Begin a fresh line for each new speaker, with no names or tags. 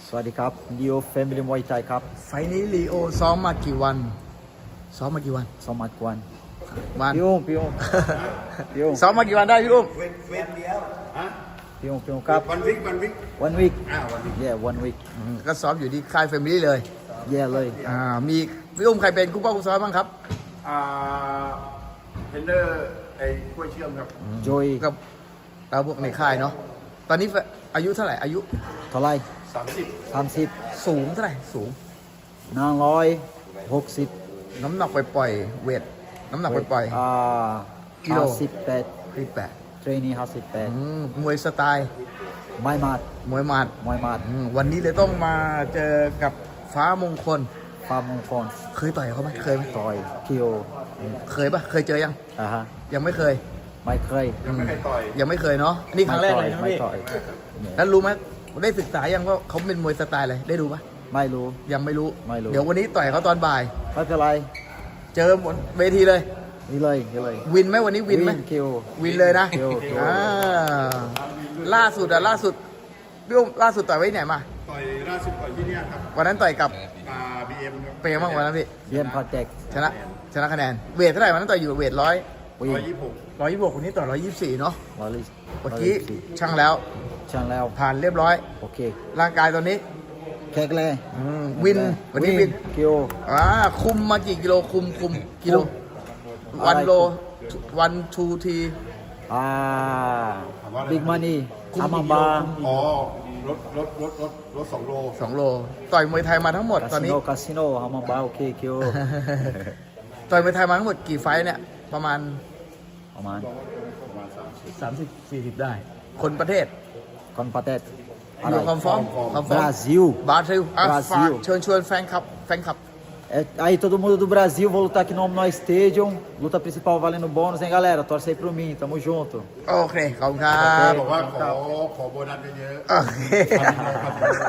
สวัสดีครับลีโอแฟมิลี่มวยไทยครับ
ไฟล์นี้ลีโอซ้อมมากี่วันซ้อมมากี่วัน
สมัครวัน
วัน
พี่อุ้มพี่อุ้มพี่อุ้ม
ซ้อมมากี่วันได้พี่อุ้ม
พี่อุ้มครับ
วันวิกวันวิก
one week
วันวิก
yeah one week
ก็ซ้อมอยู่ที่ค่ายแฟมิลี่เลย
yeah เลย
มีพี่อุ้มใครเป็นคู่ป้าคู่ซ้อมบ้างครับ
เทรนเนอร์ไอ้กล้วยเชื่อมครับ
โจย
กับเราพวกในค่ายเนาะตอนนี้อายุเท่าไหร่อายุ
เท่าไหร
30
30
สูงเท่าไหร่สูง
160
น้ำหนักปล่อยๆเวทน้ำหนักปล่อย กิโล
58
ๆที่8
เทรนนิ่ง58
มวยสไตล์
ไม่มาด
มวยหมัด
มวยมาด
วันนี้เลยต้องมาเจอกับฟ้ามงคล
ฟาร์มงคล
เคยต่อยเขาไหมเคยไหม
ต่อยคิโอ
เคยปะเคยเจอยัง
ฮะ
ยังไม่เคย
ไม่เคย
ยังไม่เคยต่อย
ยังไม่เคยเนาะอันนี่ครั้งแรกเลยนะ
ไม่
พี่
ต่อย
แล้วรู้ไหมได้ศึกษายังว่าเขาเป็นมวยสไตล์อะไรได้ดูปะ
ไม่รู้
ยังไม่รู้
ไม่รู้
เดี๋ยววันนี้ต่อยเขาตอนบ่าย
ไม่เป็นไร
เจอบนเวทีเลย
นี่เลยนี่เลย
วินไหมวันนี้วินไหม
คิโอ
วินเลยนะ
คิว
ล่าสุดพี่อุ้มล่าสุดต่อยไว้ที่ไหนมา
ต่อยล่าสุดต่อยที่เนี่ยครับ
วันนั้นต่อยกับ
BM ครับ
เป็นไงบ้างวันนั้นพี่
เรียนคอนแทค
ชนะคะแนนเวทเท่าไหร่วันนั้นต่อยอยู่เวท100
วิ่ง
126
126คนนี้ต่อ124เนาะ
วอลลิส
เมื่อกี้ช่างแล้ว
ช่างแล้ว
ผ่านเรียบร้อย
โอเค
ร่างกายตอนนี้
แขกเลย
วินวันนี้วิน
คิโอ
คุมมากี่กิโลคุมกิโล
อะไร
1 โล1 2 ที
บิ๊กมันนี่
คุม
อา
กี่
มา
กิโล
บา
อ๋อรถ2 โล
2 โล ต่อยมวยไทยมาทั้งหมดตอนนี้
คาสิโนอามาบาโอเคคิโอ
ต่อยมวยไทยมาทั้งหมดกี่ไฟท์เนี่ยประมาณ
ประมาณ
30-40 ได้ คนประเทศ
คอนปาเตต
อยู่คอมฟอร์ม
บราซิล
บราซิล
บราซิล
ฝากเชิญชวนแฟนคลับ
Aí todo mundo do Brasil, vou lutar aqui no Omni Stadium. Luta principal valendo bônus, hein, galera? Torce aí pro mim, tamo junto.
โอเค ขอบคุณครับ
บอกว่าขอโบนัสเยอะ
โอเค